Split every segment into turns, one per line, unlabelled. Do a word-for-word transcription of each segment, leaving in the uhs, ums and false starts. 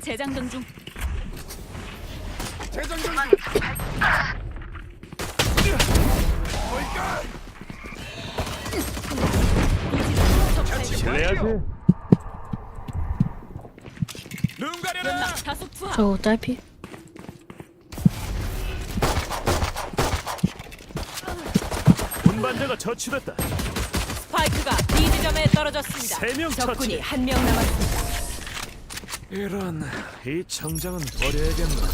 재장전 중.
재장전 중.
그래야지.
눈 가려라.
다소 투하.
저 딸피.
운반자가 처치됐다.
스파이크가 B 지점에 떨어졌습니다.
세 명
적군이
처치.
한 명 남았습니다.
이런 이 정장은 버려야겠나.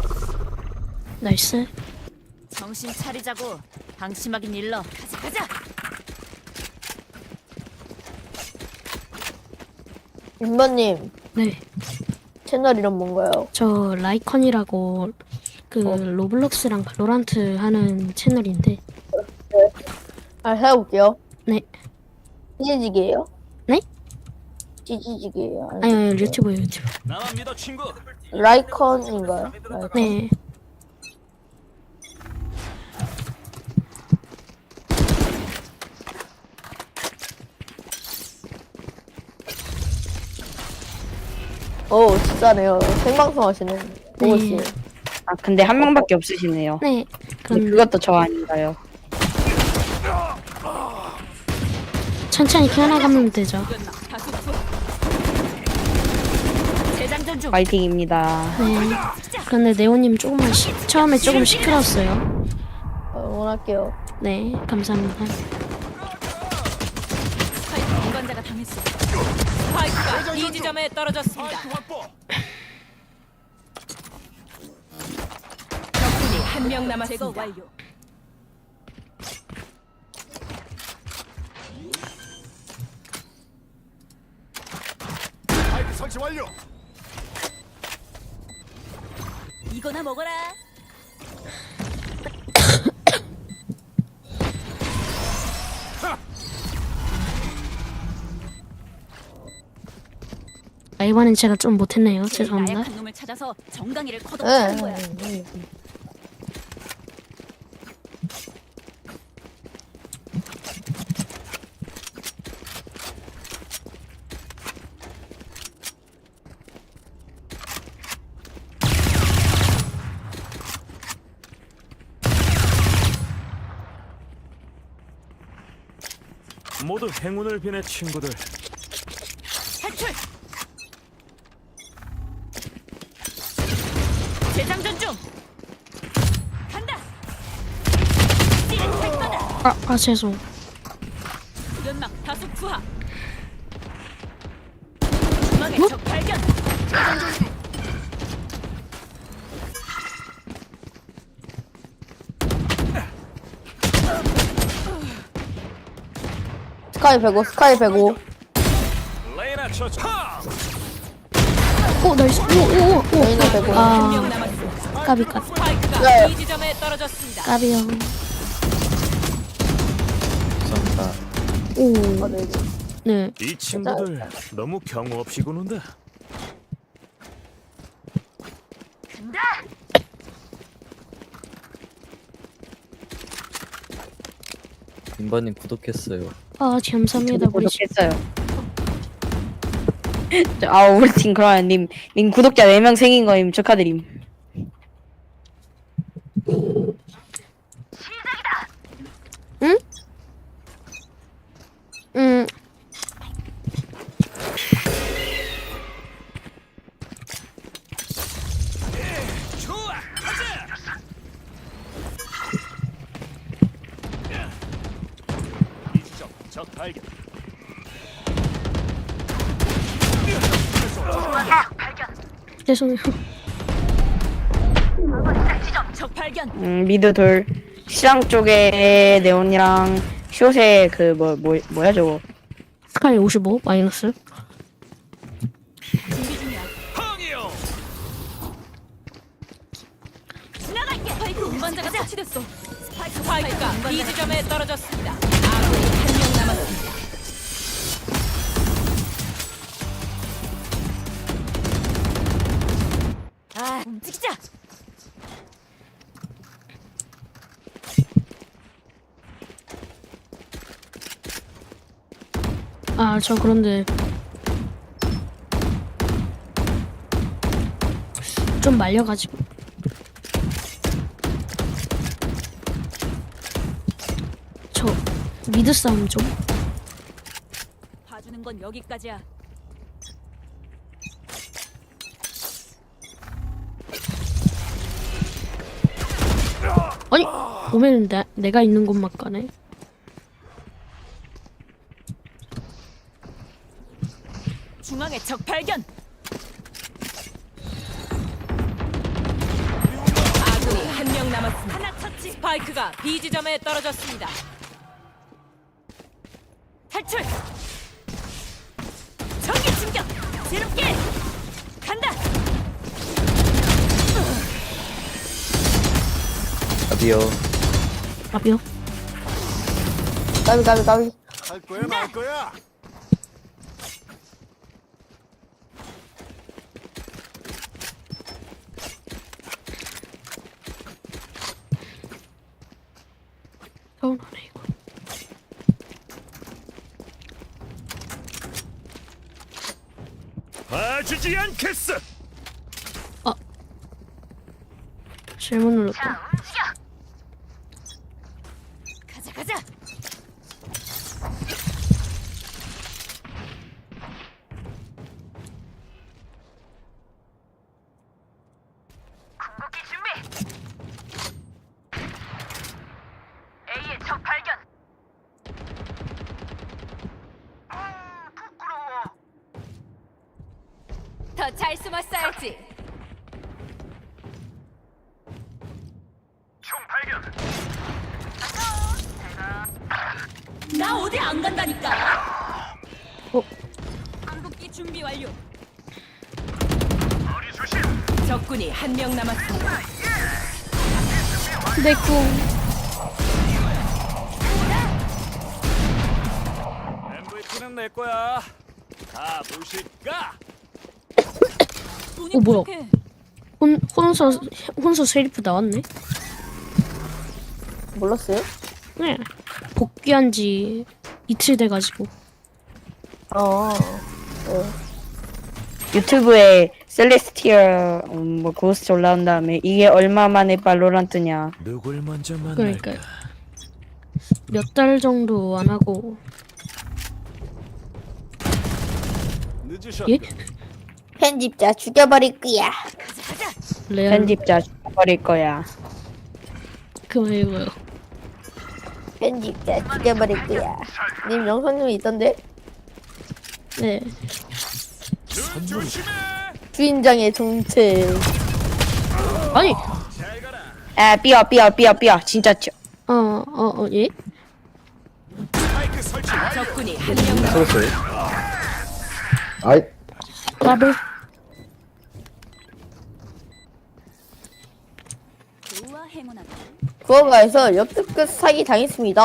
나이스.
정신 차리자고. 방심하긴 일러. 가자 가자.
윤버님
네.
채널 이름 뭔가요?
저 라이컨이라고 그 로블록스랑 발로란트 하는 채널인데.
아 해볼게요.
네.
찌지직이에요?
네?
찌지직이에요.
아니, 아니 유튜브요 유튜브.
나만 믿어 친구.
라이컨인가요? 라이컨.
네.
오 진짜네요. 생방송 하시는 보고씨.
네.
아 근데 한 명밖에 없으시네요.
네.
근데
그럼
그것도 저 아닌가요?
천천히 키워나가면 되죠.
다소 투하. 재장전 중.
파이팅입니다.
네. 그런데 네오님 조금만 시, 처음에 조금 시끄러웠어요.
어, 응원할게요.
네. 감사합니다.
스파이크 운반자가 당했어. 스파이크가 B 지점에 떨어졌습니다.
스파이크 확보.
적군이 한 명 남았습니다. 제거 완료.
스파이크 설치 완료.
이거나 먹어라.
아, 이번엔 제가 좀 못했네요. 죄송합니다.
나약한 놈을 찾아서 정강이를
네.
커덕하는 거야.
네.
모두 행운을 비내 친구들.
탈출. 재장전 중. 간다. 찌릿할 거다.
아, 아 죄송.
연막 다수 투하. 중앙에 적 발견.
스카이 백오, 스카이 백오.
레이나 처치. 하!
오 나이스. 오오오 오.
레이나 백오.
한 명
아
남았습니다.
까비 까비
스파이크가
네.
B 지점에 떨어졌습니다.
까비요.
감사합니다.
오.
아, 네.
네.
이 친구들 너무 경우 없이 구는다.
인바님 구독했어요.
아 감사합니다. 우리 집-
구독했어요. 저, 아 우리 팀 그러면 님, 님 구독자 네 명 생긴 거임 축하드림.
응? 음.
좋아. 가자. 이 지점 적 발견.
죄송해요.
적 발견.
음 미드 돌 시장 쪽에 네온이랑 숏에 그 뭐 뭐 뭐야 저거.
스카이 오십오 마이너스.
준비 중이야.
항이요.
지나갈게. 스파이크 운반자가 처치됐어. 스파이크 스파이크가 B 지점에 떨어졌습니다. 아군이 한 명 남았습니다. 아, 움직이자.
아 저 그런데 좀 말려가지고. 저 미드 싸움 좀.
봐주는 건 여기까지야.
아니 오면 내 내가 있는 곳만 가네.
중앙에 적 발견. 아군이 한 명 남았습니다. 하나 처치. 스파이크가 B 지점에 떨어졌습니다. 탈출. 전기 충격. 지름길. 간다.
답이요.
아비요.
까비 까비 까비.
할 거야 말 거야.
서운하네 이거.
봐주지 않겠어.
잘못 눌렀다.
가자 가자. 궁극기 준비. A의 적 발견. 아, 부끄러워. 더 잘 숨었어야지. 총 발견. 나 어디 안 간다니까.
어?
궁극기 준비 완료. 적군이 한 명 남았습니다.
내 궁.
엠브이피는 내 거야. 다 보실까?
돈이
어, 뭐야?
부족해.
혼 혼서 혼서 세리프 나왔네.
몰랐어요?
네. 복귀한 지 이틀 돼가지고.
어. 네.
유튜브에 셀레스티얼 음, 뭐 고스트 올라온 다음에 이게 얼마 만에 발로란트냐.
누굴 먼저 만날까?
그러니까요. 몇 달 정도 안 하고.
늦으셨.
예?
편집자 죽여버릴 거야.
레알.
편집자 죽어버릴 거야.
그 말고요.
편집자 죽여버릴 거야. 님 영상님이 있던데?
네.
눈 조심해.
주인장의 정체.
아니.
잘 가라.
아 삐어 삐어 삐어 삐어 진짜 쳐.
어 어 어 예?
스파이크 설치 완료.
적군이 한 명 남았습니다.
쏘았어요. 아이,
더블.
좋아 행운하다.
구호가에서 역대급 사기 당했습니다.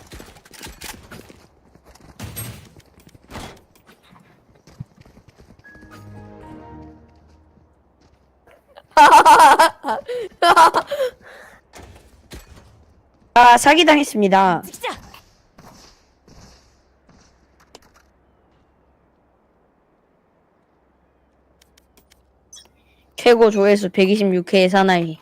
아 사기 당했습니다.
시작.
최고 조회수 백이십육 회의 사나이.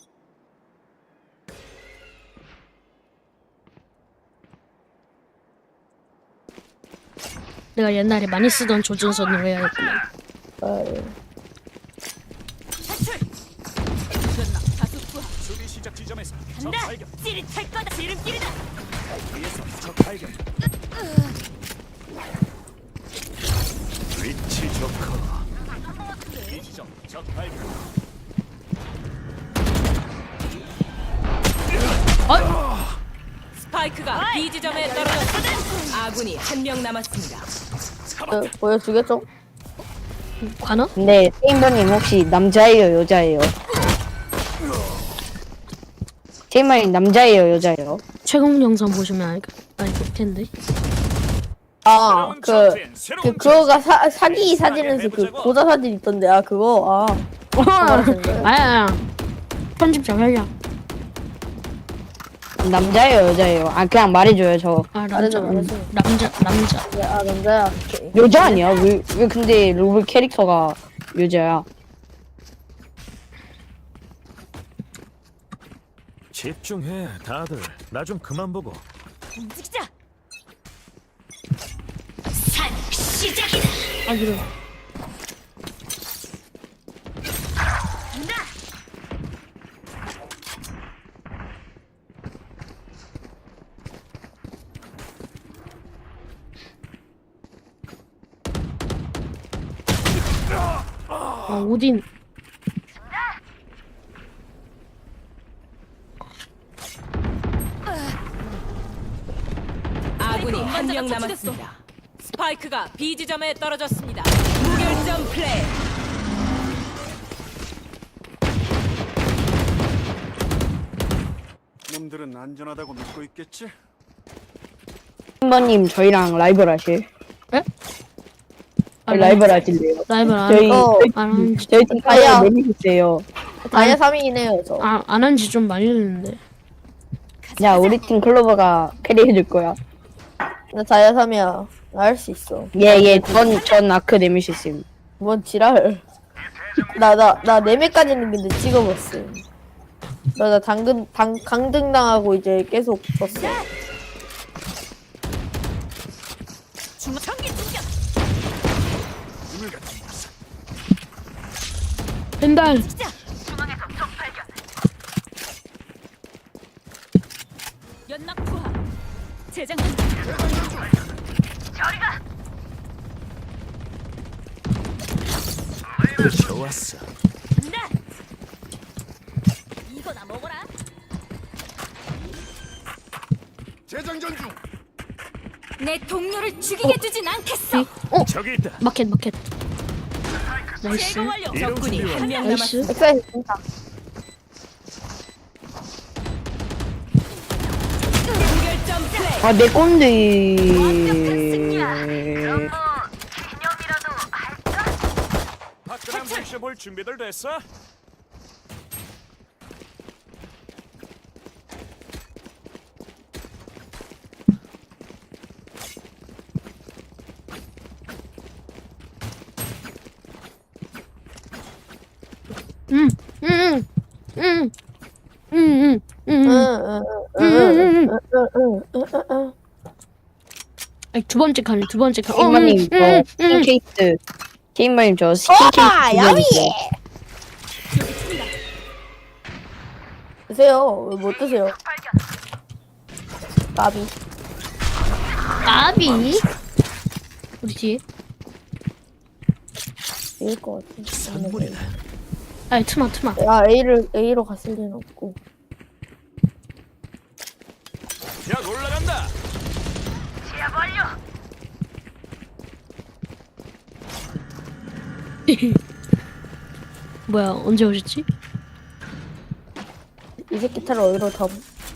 내가 옛날에 많이 쓰던 조준선으로 해야겠구만.
아유.
탈출. 끝나. 다수 투하.
수비 시작 지점에서 적
간다.
발견.
찌릿할 거다. 지름길이다.
위에서 적 발견.
위치 좋고.
이 지점 적 발견.
스파이크가 B 지점에 떨어졌습니다. 아군이 한 명 남았습니다.
어, 보여주겠죠?
관어?
근데 테임버님 혹시 남자예요 여자예요? 테임버님 남자예요 여자예요?
최근 영상 보시면 알, 알겠 텐데.
아,
새로운
그,
전투엔
그,
새로운
그거가 사, 사기 사진에서 그 고자 사진 있던데, 아, 그거, 아.
아야. 편집자 회장.
남자예요 여자예요? 아 그냥 말해줘요 저.
아
말해줘,
남자.
말해줘.
남자 남자.
야, 아, 남자야. 오케이.
여자 아니야? 왜, 왜 근데 로블 캐릭터가 여자야?
집중해 다들. 나 좀 그만 보고.
움직이자.
아 이런. 아 오딘.
아군이 한 명 남았습니다. 스파이크가 B 지점에 떨어졌습니다. 무결점 플레이.
놈들은 안전하다고 믿고 있겠지?
팀버님 저희랑 라이벌 하실?
아,
라이벌 하실래요?
라이벌 안
저희
어.
안 한지
저희 팀
아야.
카드 내미셨어요.
다이아 삼 위긴 해요 저.
아, 안 한지 좀 많이 됐는데.
야 우리 팀 클로버가 캐리해줄 거야.
나 다이아 삼 위야. 나 할 수 있어.
예예 전 전 아크 내미셨음.
뭔 지랄. 나나 나 네 매까지는 근데 찍어봤어. 나나 당근 당 강등 당하고 이제 계속 졌어.
중앙 전기 충격.
벤달.
연막 투하. 재장.
좋았어.
간다. 이거나 먹어라.
재장전 중.
내 동료를 죽이게 두진 않겠어.
어
저기 있다.
마켓 마켓. 나이스.
제거 완료.
이런
적군이
준비와.
한 명
나이스.
남았습니다.
엑사이즈 진짜.
무결점 플레이.
아내 건데.
화끈한 물쇼 볼 준비들 됐어?
음, 음, 음, 음, 음, 음, 음.
응응응응응응응응.
아니, 두 번째 칸이 두 번째 칸.
팀버님
음,
저
음,
스킨
음.
케이스. 팀버님 저 스킨
아,
케이스.
야미!
드려주세요.
드세요. 왜 못 드세요? 까비.
까비. 우리 뒤에.
이길 것 같아.
선물이다.
아니 트마 트마.
야 A를 A로 갔을 리는 없고.
약 올라간다.
뭐야 언제 오셨지?
이 새끼 타를 어디로 다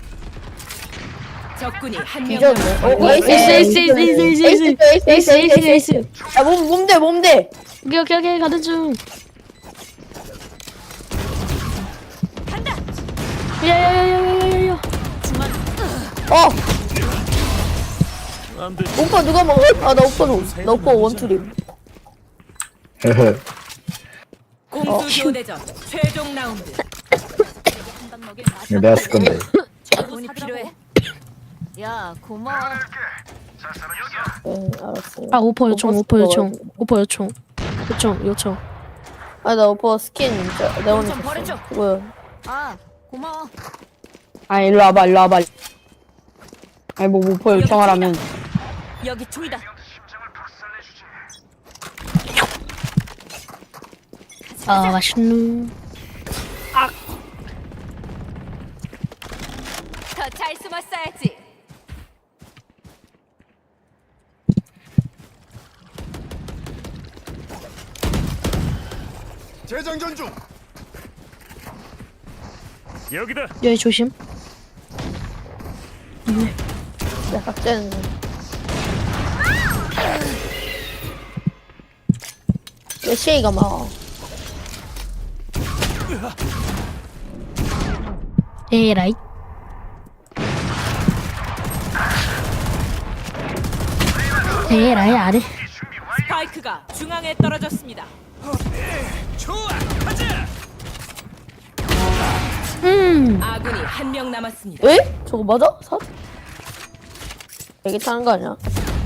적군이 한 명
뒤졌네.
남았습니다.
어, 에이스
에이스 에이스 에이스 에이스 에이스 에이스 에이스 에이스 에이스.
야몸 몸대 몸대.
오케이 오케이 오케이 가는 중.
간다.
야야야야야야야.
어
안 돼.
오빠 누가 먹어? 아나 오빠 줘. 나 오빠 원투림.
헤헤.
공수 교대전 최종 라운드. 한방 먹일
이거 내가 쓸 건데.
돈이 필요해. 야 고마워.
응 알았어.
아 오퍼 요청
오빠
오퍼 요청
먹어야지.
오퍼 요청 요청 요청.
아나 오빠 스킨 진짜 내가 오늘
좀 버려줘.
줬어. 뭐야?
아 고마워.
아 일로 와봐 일로 와봐. 아니 뭐 목표 요청하라면.
여기 총이다.
아 맛있누.
더 잘 숨었어야지.
재장전 중.
여기다.
여기 조심.
야 각자는 왜 시에이가 막
에라이. 에라이 아래.
스파이크가 중앙에 떨어졌습니다.
좋아, 가자.
음.
아군이 한 명 남았습니다.
에? 저거 맞아? 사? 되게 타는 거 아니야?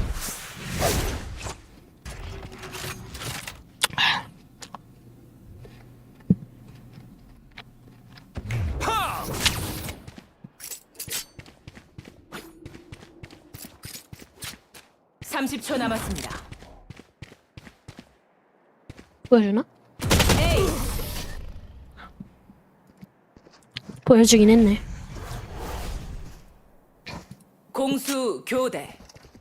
삼십 초 남았습니다.
보여주나?
에이,
보여주긴 했네.
공수 교대.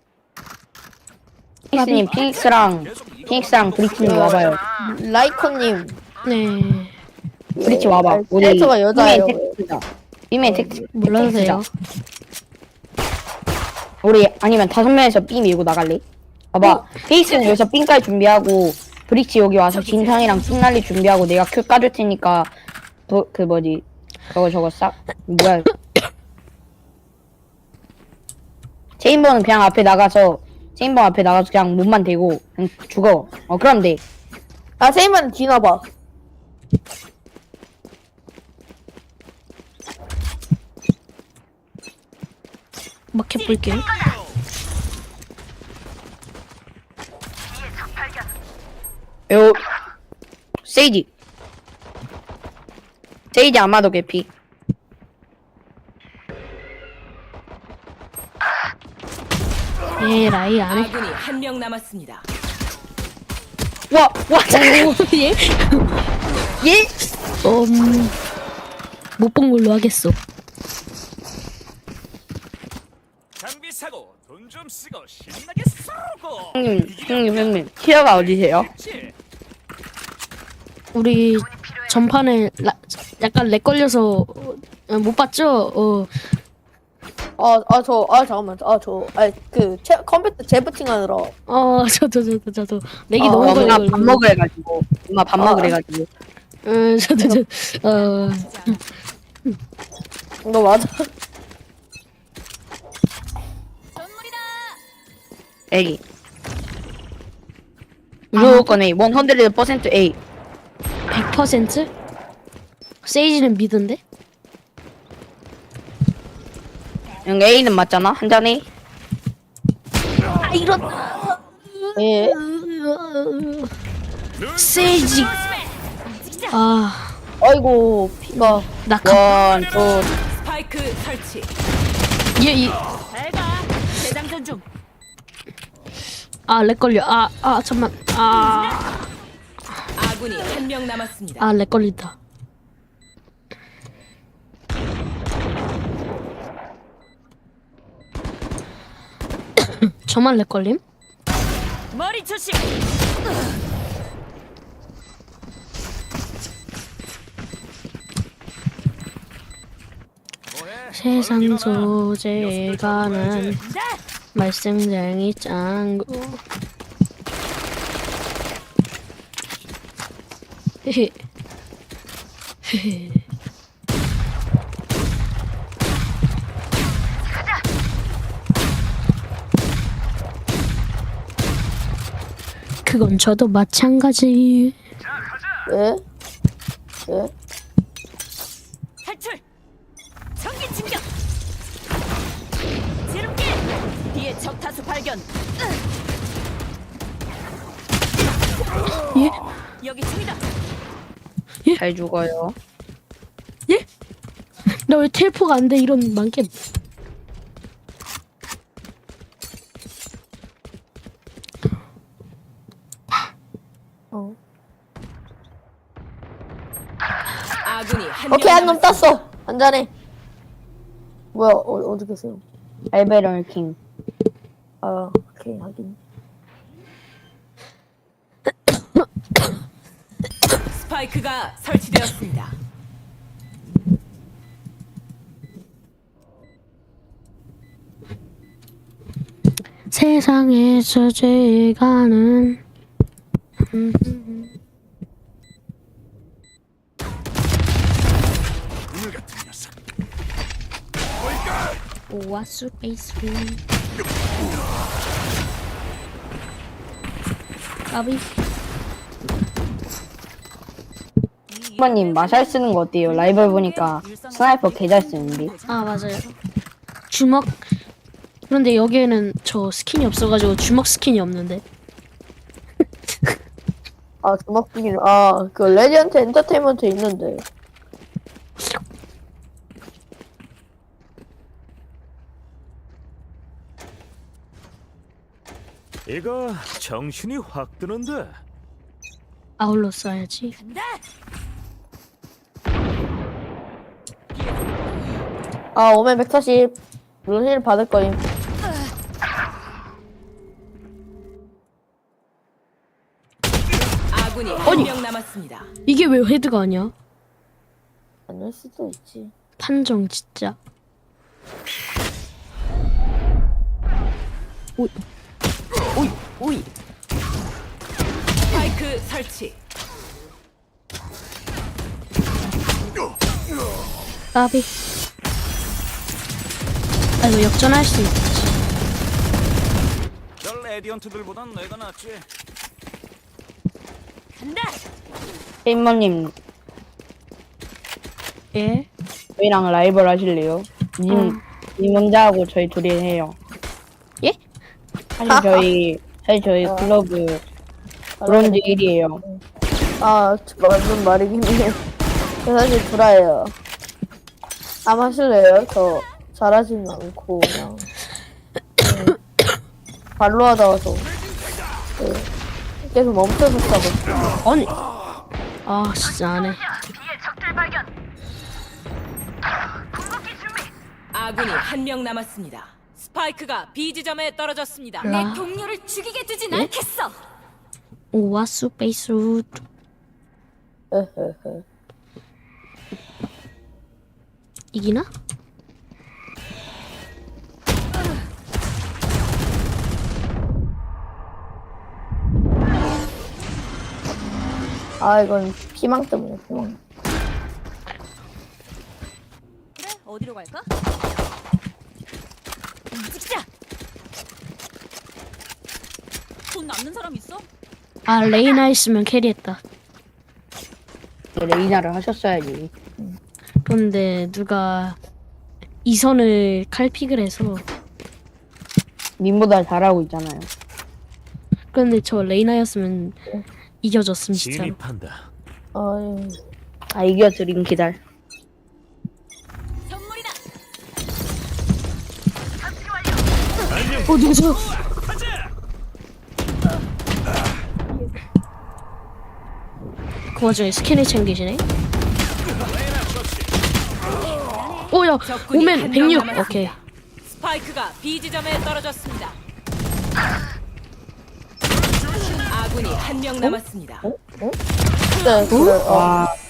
피닉스님 피닉스랑 피닉스랑 브리치님 와봐요.
라이코님.
네.
브리치 와봐. 우리
캐릭터가 여자예요.
빔의 텍스트다. 빔의 텍스트.
몰라도 돼요.
우리 아니면 다섯 명에서 삥 밀고 나갈래? 봐봐. 피닉스는 여기서 삥까지 준비하고 브리치 여기 와서 진상이랑 삥날리 준비하고 내가 큐 까줄 테니까 도, 그 뭐지 저거 저거 싹 뭐야 체인버는 그냥 앞에 나가서 체인버 앞에 나가서 그냥 몸만 대고 그냥 죽어. 어 그럼 돼.
아, 세이만 뒤나봐.
막 해볼게요.
요 세이지 세이지 아마도 개피.
에라이 안 해.
아군이 한 명 남았습니다.
와와
예?
예?
음, 못 본 걸로 하겠어.
장비 사고 돈 좀 쓰고 신나게 쏘고.
형님 형님 형님 티어가 어디세요?
지
우리 전판에 라, 약간 렉 걸려서 어, 못 봤죠? 어,
아, 아, 저, 아, 잠깐만. 아, 저, 아, 그, 채, 컴퓨터 재부팅 하느라.
어, 저도 저도 저도 렉이
아,
너무
엄마
걸려.
밥 먹으래 가지고 엄마 밥
아.
먹으래 가지고
음, 저도 저, 어,
너 맞아.
애기 무조건 A 백 퍼센트 A.
백 퍼센트? 세이지는 미드인데?
여기 A는 맞잖아 한 잔에.
아, 이런.
예.
세이지. 아,
아이고, 피가.
낙하.
원투
스파이크 설치.
얘, 이,
잘가. 재장전 중.
아, 렉 걸려. 아, 아, 잠만. 아,
아군이 한 명 남았습니다.
아, 렉 걸린다. 저만 렉 걸림?
머리 조심.
세상 소재가는 말썽쟁이 짱구. 헤헤. 헤헤. 그건 저도 마찬가지.
예? 예?
탈출. 전기 충격. 지름길. 뒤에 적 타수 발견.
예?
여기 총이다.
잘 죽어요.
예? 나 왜 텔포가 안 돼? 이런 많게.
어.
아군이 한 명
오케이, 한 놈
남았습니다.
땄어. 한 잔에. 뭐야, 어, 어디 계세요?
알베럴 킹.
아, 오케이, 하긴.
스파이크가 설치되었습니다.
세상에서 제일 가는
오늘 같은 녀석.
오아수 베이스 까비.
번님 마샬 쓰는 거 어때요? 라이벌 보니까 스나이퍼 개 잘 쓰는데.
아 맞아요. 주먹. 그런데 여기에는 저 스킨이 없어가지고 주먹 스킨이 없는데.
아 주먹 비기는 아그 레디언트 엔터테인먼트 있는데.
이거 정신이 확 드는데.
아울러 써야지.
아 오멘 백사십 물론 힐 받을 거임.
아군이 한 명 남았습니다.
이게 왜 헤드가 아니야?
아닐 수도 있지.
판정 진짜. 오이 오이 오이.
스파이크 설치.
까비. 아 이거 역전할 수 있지.
별 레디언트들보단 내가 낫지.
간다.
게임머님
예.
저희랑 라이벌 하실래요? 님,
응.
님 혼자 하고 저희 둘이 해요.
예?
사실 저희 사실 저희 클럽 브론즈 일이에요.
아 맞는 말이긴 해. 저 사실 불화예요. 안 하실래요? 저 잘하지는 않고 그냥 네. 발로 하다 와서 네. 계속 멈춰서 싸고.
아니. 아 진짜 안 해.
아군이 한 명 남았습니다. 스파이크가 B 지점에 떨어졌습니다.
라.
동료를 죽이게 두진
예?
않겠어.
오와수 베이스 루.
헤헤헤.
이기나?
아 이건 피망 때문에 피망.
그래, 어디로 갈까? 움직이자. 돈 남는 사람 있어?
아 레이나 있으면 캐리했다.
레이나를 하셨어야지.
그런데 누가 이선을 칼픽을 해서.
님보다 잘하고 있잖아요.
그런데 저 레이나였으면 이겨줬음 진짜로.
진입한다.
아이
아 이겨드린 기다려.
선물이다.
어 누구죠? 그 와중에 스캔을 챙기시네. 오야
적군이
오멘
한명
백육.
남았습니다.
오케이.
스파이크가 B 지점에 떨어졌습니다. 아군이 한 명 남았습니다.
진짜 그래. 어.
와